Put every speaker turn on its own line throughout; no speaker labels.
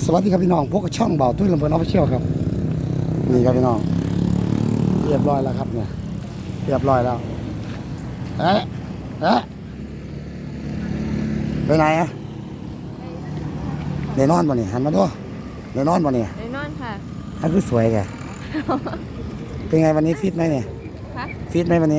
สวัสดีครับพี่น้องพวกช่องเบาตุ้ยลำเพลินออฟฟิเชียลครับนี่ครับพี่น้องเรียบร้อยแล้วครับเนี่ยเรียบร้อยแล้วเอ๊ะไปไหนอะเดนอนบ่เนี่ยหันมาดูเดนอนบ่เนี่ย
ไอ้นอนค่ะ
อันคือสวยแกเป็นไงวันนี้ฟิตไหมเนี่ยฟิตไหมวันนี้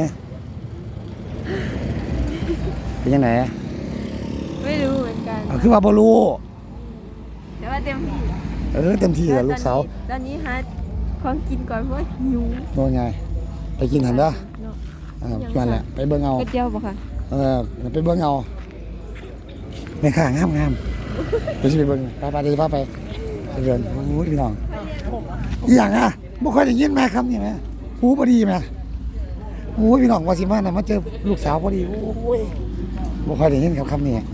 เป็นยังไง
ไม่รู้เหมือนกัน
คือว่าบรู
แต่ว่าเต็มที่
เต็มที่เลยลูกสาว
ตอนนี้หาของกินก่อนเพราะหิว
โดนไงไปกินหันเด้อ
เนาะ
ชวนแหละไปเบิ่งเอา
กระเจียวป่ะคะ
ไปเบิ่งเอาไม่ข่างามเดี๋ยวจะไปเบิ่งไปเดี๋ยวไปเดินโอ้ยพี่น้องอีหยังอ่ะไม่ค่อยได้ยินแม่คำนี่ไหมหูพอดีไหมโอ้ยพี่น้องว่าสิมาเนี่ยมาเจอลูกสาวพอดีโอ้ยไม่ค่อยได้ยินคำนี้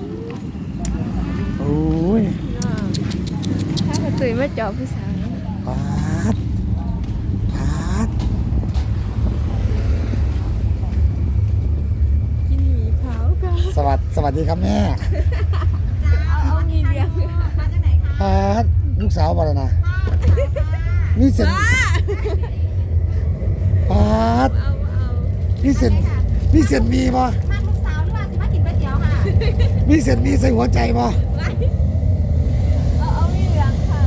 โอ้ย
ถ้ากระตุยมาจอบผู้สาว
พาด
กินหมี่ขาวค่ะ
สวัสดีครับแม่
เอามีเลี้ยง
พาดลูกสาวมาแล้วนะนี่เสร็จพาดนี่เสร็จมีป่ะ
มาลูกสาวหรือว่าสิมากินก๋วยเตี๋ยวค่ะ
มีเสร็จมีใส่หัวใจป่ะ
เอามีเลี้ยงค่ะ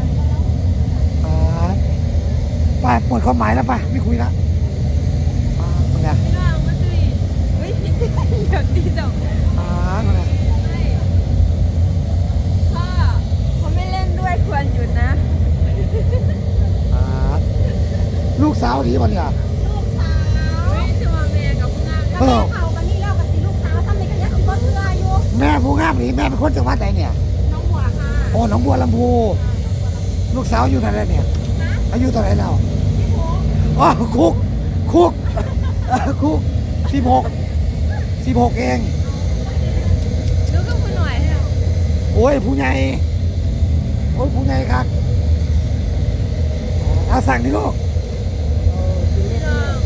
ป้าหมดความหมายแล้วป้าไม่คุยละเป็นไง
ไม่ว่ามาตุยเฮ้ยอย่างนี้ดอก
เป็นไง
พ่อเขาไม่เล่นด้วยควรหยุดนะ
ลูกสาวดีป่ะเนี่ย
ลูกสาว
เฮ้ยจะมาแม่กับผู้งาม
ก็แม่เขากันนี่แล้วกับสิลูกสาวทำในกันยังสิบ่เชื่ออยู่
แม่ผู้งามนี่แม่เป็นคนจังหวัดไหนเนี่ย
น้องหัวค่ะ
โอ้หนองบัวลำพูลูกสาวอยู่ไหนแล้วเนี่ยอายุเท่าไหร่แล้วอ๋อคุกคุก16เอง
ดูกับคุณหน่อยให้เรา
โอ้ยผู้ใหญ่ครับเอาสั่งดิลูก
พี่น้อง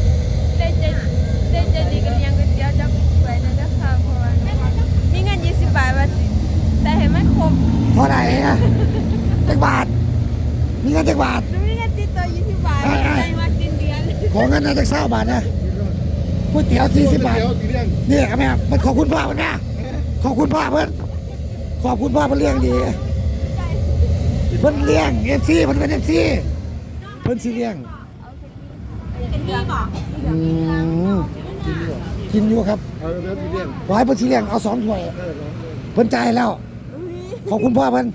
ได้ใจดีกับเลี้ยงก๋วยเตี๋ยวจักไปนะจ๊ะค่ะเพราะว่ามีเงิน20 บาทว่าสิแต่ให้มันครบ
เท่าไหร่อะจักบาทมีเงินจักบาท
หนูมีเงินติดตัว20 บาทใจว่าสิ้นเดือน
ขอเงินนะจัก20 บาทนะก๋วยเตี๋ยว40 บาทนี่แม่มันขอบคุณพ่อมันนะขอบคุณพ่อเพื่อนขอบคุณพ่อเพื่อนเลี้ยงดีเพื่อนเลี้ยง FC มันเป็น FC เพื่อนสิเลี้ยง
เป็นพี่บอก
อืมกินอยู่ครับ
แล้วที่เรียก
ไว้เพื่อนสิเลี้ยงเอา2 ถ้วยเพื่อนจ่ายแล้วขอบคุณพ่อเพื่อน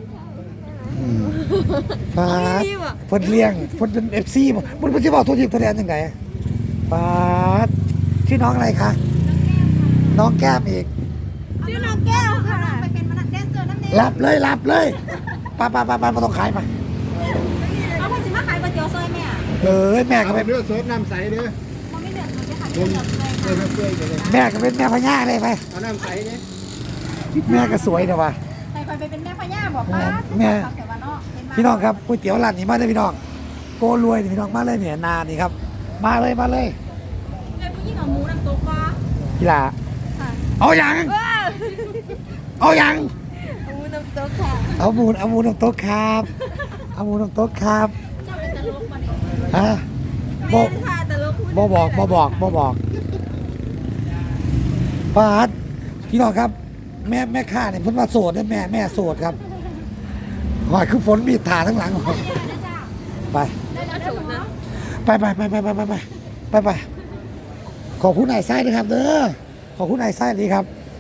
ปาดเพิ่นเลี้ยงเพิ่นเป็น FC มันสิบอกตัวทีมตัวแดนจังไดปาดชื่อน้องอะไรคะน้องแก้มอีก
ชื่อน้องแก้วค่ะไปเป็นมนักแดนเซอร์น้ำเนย
รับเลยไปมาต้องขายมา
เอาคนสิมาขายก๋วยเตี๋ยวซอยแม่
แม่ก็
เอา
เป็น
เนื้อสดน้ำใสเด้อ
เขาไม่เลือกเลยค่ะเลือกเลย
เนื้อเปื่อยเลย
แม่ก็เป็นแม่พญาเลยไป
เอาน้ำใสเด้อ
แม่ก็สวยนะว่ะ
ใครไปเป็นแม่พญาบอกว่า
แม่
เดี๋ยวว่าเนาะเห็นไหม
พี่น้องครับก๋วยเตี๋ยวร้านนี้มาเลยพี่น้องโกรวยนี่พี่น้องมาเลยเนี่ยนานี่ครับมาเลย
เลยผู้หญิงเอาหมูน้ำตกว่า
กีฬา
ค่ะ
เอาอย่าง
ว้าว
เอาอย่าง
มูน้ำตกค่ะ
เอาหมูน้ำโต๊ะครับเอาหมูน้ำโต๊ะครับ
เจ้าเป็นตลกมาเนี่ย
ฮะบ
แม่
อก
นค่ะแต่ลูกพูด
บอกปาดพี่น้องครับ แม่ข้าเนี่ยเพิ่นว่าโสดนะแม่โสดครับหอยคือฝนมีดถาทั้งหลังไป
ได้แล้วสูงนะ
ไปขอบคุณนายไส้ด้วยครับเด้อขอบคุณนายไส้ดีครับ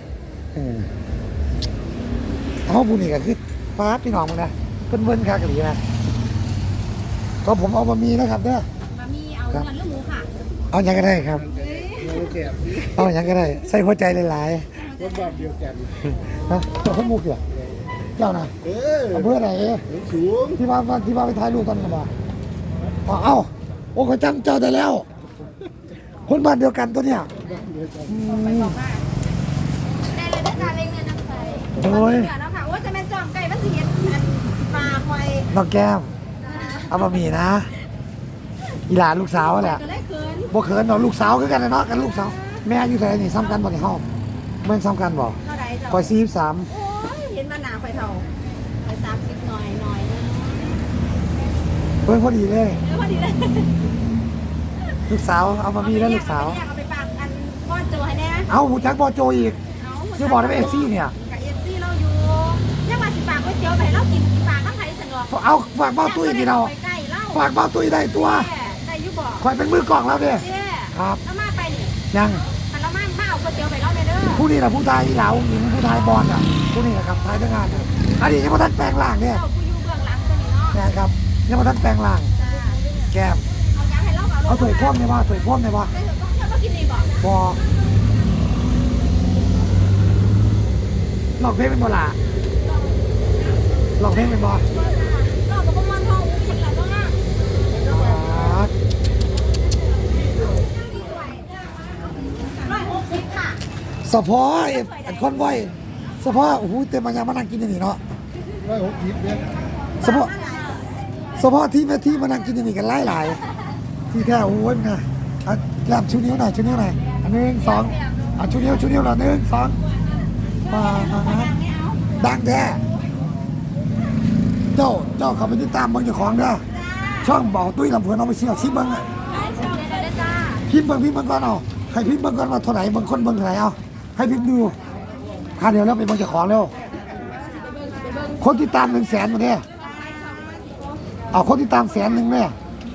เอาบุญนี่ก็คือปาดพี่น้องมึงนะเพิ่นครับกันดีนะก็ผมเอามามีนะครับเด้อ
มามีเอาเงินหรือหมูค่ะ
เอาอย่างก็ได้ครับ
เนื้อแซ่บ
เอาอย่างก็ได้ใส่หัวใจหลาย
คนแบบเดียวกัน
ๆนะเจ้าข้าวมุกเหรอเจ้านะ อำเภอไหน
สูง
ที่ว่าไปถ่ายรูปตอนกันมาเอ้าโอ้เขาจำเจ้าได้แล้ว คนบ้านเดียวกันตัวเนี้ย
ไปบอกว่าได้เลยนะจ๊ะเล็งเงินน้ำใส
โอ้ย
เดี๋ยวแล้วค่ะว่าจะแม่นจอมไก่มันสิเห็นอันปลาคอย
น้องแก้มเอามามีนะอีหลานลูกสาวแหละ
ก็ได้คืน
บ่เขินเนาะลูกสาวคือกันนะเนาะกันลูกสาวแม่อยู่ไหนนี่ซ้ำกันบ่ในห้องแม่นซ้ำกันบ่
เท่าไหร่จ้ะ
คอย43
โอ้ยเห็นมาหนาคอยเท่าคอย30
เพิ่งพอดีเลย
พอดีเลย
ลูกสาวเอามามีแล้วลูกสาว
เอาไปฝากอันก้อนโจให้แน่
เอาหูจักบอโจอีกคือบอกได้เป็นเอฟซีเนี่ย
กับเอฟซีเราอยู่ยังมาสิฝากก๋วยเตี๋ยวไปเรากินฝากข้างไทยสนอก
เอาฝากเบ้าตุ้ยนี่เรา
ไปใกล้เล่า
ฝากเบ้าตุ้ยได้ตัว
ได้ยุบอก
คอยเป็นมือกล่องแล้วเนี่ย
เจ้
ครับ
แล้วมาไปนี่
ยัง
มันเรามาเอาก๋วยเตี๋ยวไปเล่าเด้อ
ผู้นี้แหละผู้ชายเหลาหญิงผู้ชายบอลอ่ะผู้นี้แหละครับท้ายทั้งงานเนี่ยอันนี้ยังไม่ทันแปลงร่างเนี่ย
เจ้ากูอยู่เบื้องหลังตัวนี้เนาะ
นะครับยังไม่ทันแปลงร่าง
จ้า
แก้ม
เอายาให้เล่า
เอาถวยพ่วงได้ป่ะถวยพ่วงได้ป่ะ
ได้ต้องเที่ยวมากินดีบอก
บอหลอกเพลงเป็นบ่ล่ะหลอกเพลงเป็นบ่
เราบอกว่ามันทองกินแล้วเนาะ160ค่ะ
สะพออันคอนไว้สะพอโอ้โหเต็มมายามานั่งกินอย่างนี้เนาะ
160เนี่ย
สะพอสะพอที่แม่ที่มานั่งกินอย่างนี้กันหลายๆที่แท้โอ้ยมันนะอ่ะแก้มชูนิ้วหน่อยชูนิ้วหน่อยอันหนึ่งสองอ่ะชูนิ้วหน่อยหนึ่งสองมาดังแท้เจ้าเขาไปติดตามเบิ่งเจ้าของเด้อช่องบอกตุ้ยลำเพลินเอาไปเชี่ยวชิมเบิ่งอะพิมพ์เบิ่งก่อนเอาให้พิมพ์เบิ่งก่อนว่าเท่าไหร่บางคนเบิ่งเท่าไหร่เอาให้พิมพ์ดูค่าเดียวแล้วไปเบิ่งเจ้าของเร็วคนติดตาม100,000มาเนี่ยเอาคนติดตาม100,000เนี่ย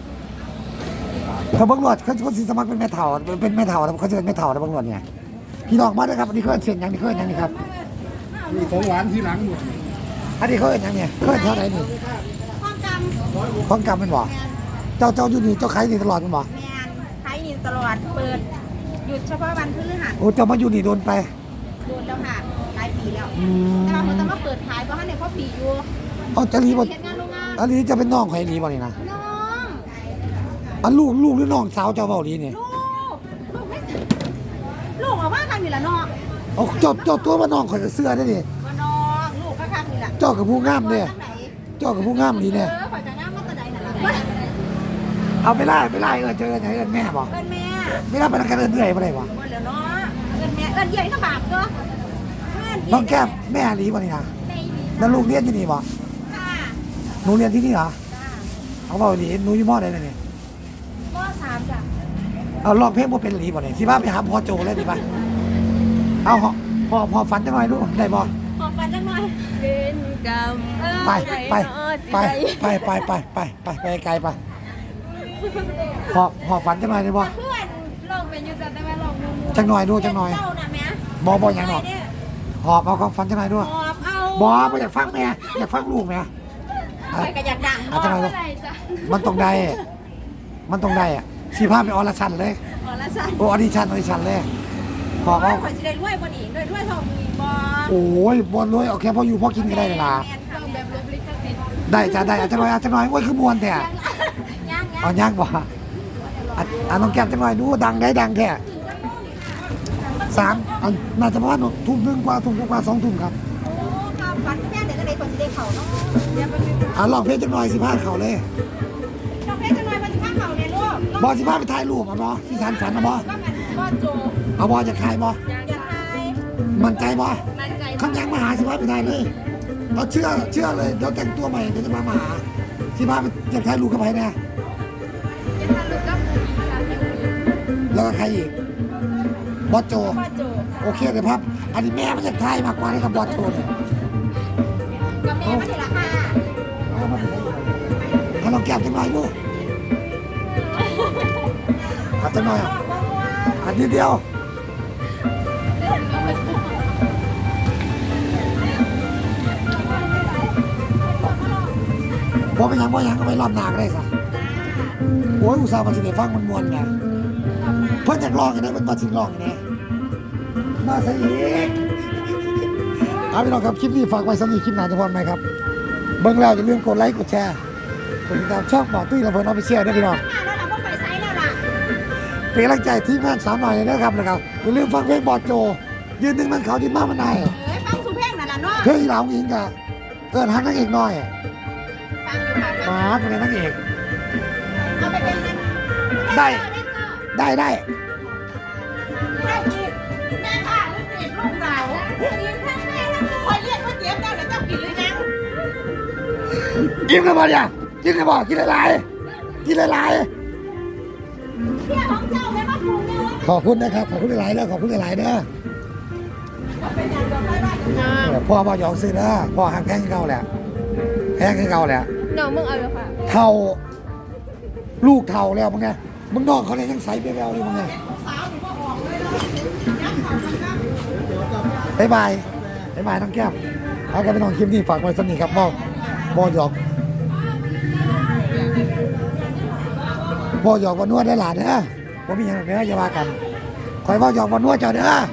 ถ้าเบิ่งหลอดเขาคนสิสมัครเป็นแม่เฒ่าแล้วเขาจะเป็นแม่เฒ่านะเบิ่งหลอดเนี่ยพี่น้องมาด้วยครับอันนี้เขาเสียงยังนี่เขาเอิ้นยังนี่ครับ
มีของหวานที่หลังหมด
อันนี้เขาเอิ้นยังเนี่ยเขาเอิ้นเท่าไหร่นี่
ความจำ
ของกรรมเป็นบ่เจ้าอยู่นี่เจ้าขายนี่ตลอดเป็นบ่
แมนไทยนี่ตลอดเปิดหยุดเฉพาะวันพฤหัส
โอ้เจ้ามาอยู่นี่โดนไป
โดนแล้วค่ะหลายปีแล้ว
อืม
แต่ว่าเขาจะมาเปิดขายเพราะว่าในพ่อปีอยู่
เอาจะรีบ่
เฮ็ดงานโรงงาน
อันนี้จะเป็นน้องใครรีบ่นี่นะ
น้อง
อันลูกหรือน้องสาวเจ้าเว้าลีนี่
ลูกไม่สิลูกออกมากันอยู่ละน้อง
เอาเจ้าตัวว่าน้องข่อยก็เสื้อได้ดิ
ว่าน้องลูกก็คักนี่แหละ
เจ้ากับผู้งามเด้
จังไหน
เจ้ากับผู้งามดีเนี่ย
ข่อยจะงามมาแตะใดนั่นล่ะ
เอาไปไล่เจอไหนเอิ้นแม่บ่
เอิ้นแม่
ไม่รับประกันเอิ้นเรื่อยบ่ได้บ่
บ่แล้วเนาะเอิ้นแม่เอิ้นใหญ่ก็บาปเนาะเอิ้น
น้องแก้มแม่ลีบ่นี่นะ
แม่อีหลี
แล้วลูกเรียนที่นี่บ่
ค่ะ
หนูเรียนที่นี่เหรอ
จ้า
เอาเว้าดีหนูอยู่มอใดนี่
ม.3จ้ะ
เอาร้องเพลงบ่เป็นลีบ่นี่สิพาไปหาพ่อโจเลยดีป่ะเอาพอฝันจังหน่อยดูได้บ่
ขอฟันจังหน่อย
เป็นกรรม
ไปไกลไปพอฝันจังหน่อยได้บ่
เพื่อนลองเป็นอยู่จ้ะแต่ว่าลองมู
จังหน่อยดูจังหน่อย
เจ้าน่ะแม่
บ่อย่างหรอกหอบเอาความฝันจังหน่อยดู
หอบเอา
บ่อยากฟังแม่อยากฟังลูกแม่
ไปก็อยากดัง
อาจจะหน่อยดู
อะไรจ้ะ
มันต้องได้อ่ะสิพาไปออลชันเลย
อ๋อละจ้ะ
โอ้ออดิชั่นเลยหอบเอา
ข่อยสิได้รวยบ่นี่รวยเท่ามึงอีกบ่
โอ้ยบ่รวยเอาแค่พออยู่พอกินก็ได้เลยล่ะ
แม่นค่ะแบบลบลิขสิทธิ์
ได้จ้ะได้อาจจะหน่อยโอ้ยคือมวนแต่
ย่าง
เอาย่างบ่น้องแก้มจังหน่อยดูดังแท้3น่าจะประมาณทุ่มนึงกว่า2 ทุ่มครับ
โอ้ความฝันแม่เดี๋ยวก็ได้คนสิได้เข้าเนาะเดี๋ยวมันจะ
ลองเพลงจังหน่อยสิพาเขาเลย
ต้องเพชรจังหน่อยมันสิพาเข้าในลูก
บอสิพาไปถ่ายรูปอ่ะบอที่สันฝันนะบอ
ก็มันบ่โจ
เอาบอจะถ่ายบอ
อยากทาย
มั่นใจบอ
มั่นใจ
ขันยังมาหาสิพาไปถ่ายเลยเราเชื่อเลยเดี๋ยวแต่งตัวใหม่เดี๋ยวจะมาหาสิพาไปอยากถ่ายรูปกับใครเนี่ย
จะทำลูกกับผู้หญิงค่ะที่อุ้ง
แล้วก็ใครอีกบอสโจ
บ่โจ
โอเคเดี๋ยวพับอันนี้แม่มันอยากถ่ายมากกว่านี่กับบอสโจเนี่ย
กับแม่มาทีละค่ะ
เอามาให้ลองแก้มจังหน่อยดูเอาจังหน่อยอันนี้เดียวพอไปยังก็ไปรอบหน้าก็ได้ซะโอ้ยอุตส่าห์มาสิได้ฟังมันมวนไงเพิ่นอยากลองกันนะมันมาสิลองกันนะมาซะอีกเอาพี่น้องครับคลิปนี้ฝากไว้สำหรับคลิปหน้าจะพรไหมครับเบิ่งแล้วอย่าลืมกดไลค์กดแชร์กดติดตามช่องบ่อตุ้ยและเพิ่นออฟฟิเชียลด้วยพี่น้อง
แล้วเราก็ไปไซส์แล้วล่ะ
เป็นกำลังใจทีมงานสาวหน่อยเลยนะครับอย่าลืมฟังเพลงบอดโจยืนหนึ่งมันเขายืนมากมันนาย
ฟังสุเพลงนั่นล่ะเนาะ
เพลงอีเหลาอิงกะเกินฮักนางเอกหน่อย
ฟังอยู่ค่ะฟัง
มาเป็นนางเอก
เอาไปเป็นกัน
ได้
ได้อีกแม่ค่ะลูกเด็กลูกสาวกินทั้งแม่ทั้งลูกคอยเรียกว่าเจี๊ยบเจ้าเดี๋ยวเจ้ากินหรือยัง
ยิ้มแล้วบอลเนี่ย
ก
กินเลยบอกกินหลายๆกินหลาย
เที่ยของเจ้าแม่มาปรุงเนี่ย
ๆขอบคุณนะครับขอบคุณหลายๆเด้อขอบคุณหลายๆเด้อพ่อบ่ยองซื้อเด้อพ่อหักแพงเก่าแหละแพงเก่าแหละ
น้องมึงเอาเลยค่ะ
เท่าลูกเท่าแล้วมึงไงมึงน้องเขาเลยยังใสไปแล้วอยู่มึงไงบ๊ายบายน้องแก้มเอากันไปน้องคลิปนี้ฝากไว้สักนิดครับบ่หยอกวันนวดได้หลานเด้อผมมีอย่างเด้ออย่าว่ากันคอยบ่หยอกวันนวดเจ้าเด้อ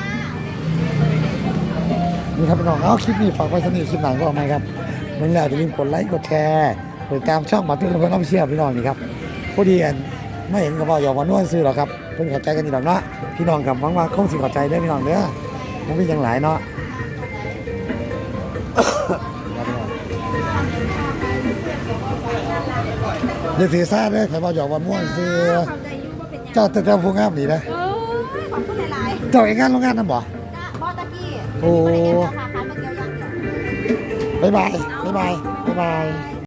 นี่ครับพี่น้องเอาคลิปนี้ฝากไว้สักนิดคลิปหลังก็ออกมาครับมึงแล้วอย่าลืมกดไลค์กดแชร์กดติดตามช่องหมาตุ้ยและเพื่อนน้องเชี่ยพี่น้องนี่ครับพอดีกันไม่เห็นกับบ่หยอกวันนวดซื้อหรอกครับเพิ่งเข้าใจกันนี่ดอกเนาะพี่น้องกับหวังว่าคงสิเข้าใจได้อพี่น้องเด้อผมมีอย่างหลายเนาะ อย่าถือซาเด้อใครบอกหยอกว่าม่วนซื้อ
เข้าใจอยู่ว่าเป็นยัง
เจ้าแต่เจ้าผู้งามนี่นะ
เออขอบคุณหลาย
เจ้าเองงานโรงงานนั่นบ่
ๆนะบอตะกี้
โอ้
ไม่ได้เงินเจ้าค่ะคันมาเกี่ยวยังเดียว
บ๊ายบาย